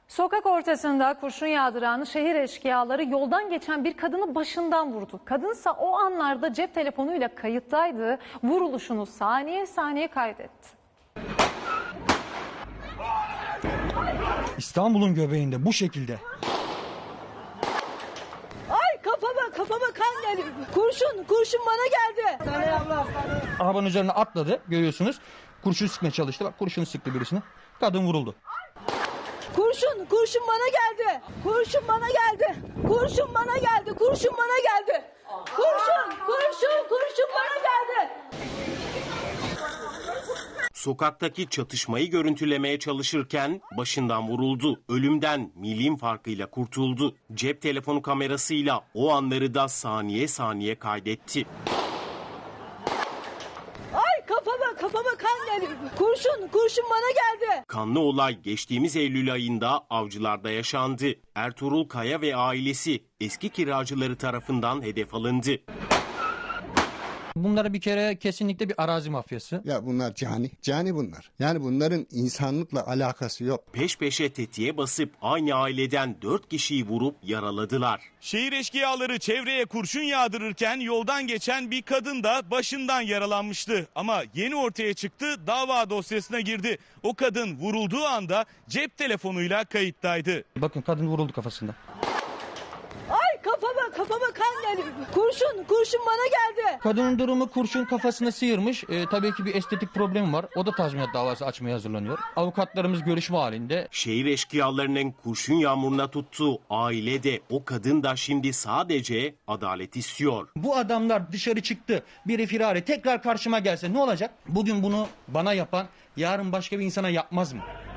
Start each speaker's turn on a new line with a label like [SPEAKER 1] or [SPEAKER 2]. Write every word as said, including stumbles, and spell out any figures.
[SPEAKER 1] Sokak ortasında kurşun yağdıran şehir eşkıyaları yoldan geçen bir kadını başından vurdu. Kadınsa o anlarda cep telefonuyla kayıttaydı. Vuruluşunu saniye saniye kaydetti.
[SPEAKER 2] İstanbul'un göbeğinde bu şekilde.
[SPEAKER 3] Ay kafama kafama kan geliyor. Kurşun kurşun bana geldi.
[SPEAKER 2] Arabanın üzerine atladı, görüyorsunuz. Kurşun sıkmaya çalıştı. Bak kurşunu sıktı birisine. Kadın vuruldu.
[SPEAKER 3] Kurşun kurşun bana geldi. Kurşun bana geldi. Kurşun bana geldi. Kurşun bana geldi. Kurşun kurşun kurşun bana geldi.
[SPEAKER 4] Sokaktaki çatışmayı görüntülemeye çalışırken başından vuruldu. Ölümden milim farkıyla kurtuldu. Cep telefonu kamerasıyla o anları da saniye saniye kaydetti.
[SPEAKER 3] Ay kafama kafama kan geliyor. Kurşun kurşun bana geldi.
[SPEAKER 4] Kanlı olay geçtiğimiz Eylül ayında Avcılar'da yaşandı. Ertuğrul Kaya ve ailesi eski kiracıları tarafından hedef alındı.
[SPEAKER 2] Bunlara bir kere kesinlikle bir arazi mafyası.
[SPEAKER 5] Ya bunlar cani, cani bunlar. Yani bunların insanlıkla alakası yok.
[SPEAKER 4] Peş peşe tetiğe basıp aynı aileden dört kişiyi vurup yaraladılar.
[SPEAKER 6] Şehir eşkıyaları çevreye kurşun yağdırırken yoldan geçen bir kadın da başından yaralanmıştı. Ama yeni ortaya çıktı, dava dosyasına girdi. O kadın vurulduğu anda cep telefonuyla kayıttaydı.
[SPEAKER 2] Bakın kadın vuruldu kafasında.
[SPEAKER 3] Ay kafama kafama kan geliyor. Kurşun kurşun bana geldi.
[SPEAKER 2] Kadının durumu kurşun kafasına sıyırmış. Ee, tabii ki bir estetik problemi var. O da tazminat davası açmaya hazırlanıyor. Avukatlarımız görüşme halinde.
[SPEAKER 4] Şehir eşkıyalarının kurşun yağmuruna tuttuğu aile de o kadın da şimdi sadece adalet istiyor.
[SPEAKER 2] Bu adamlar dışarı çıktı. Biri firari tekrar karşıma gelse ne olacak? Bugün bunu bana yapan yarın başka bir insana yapmaz mı?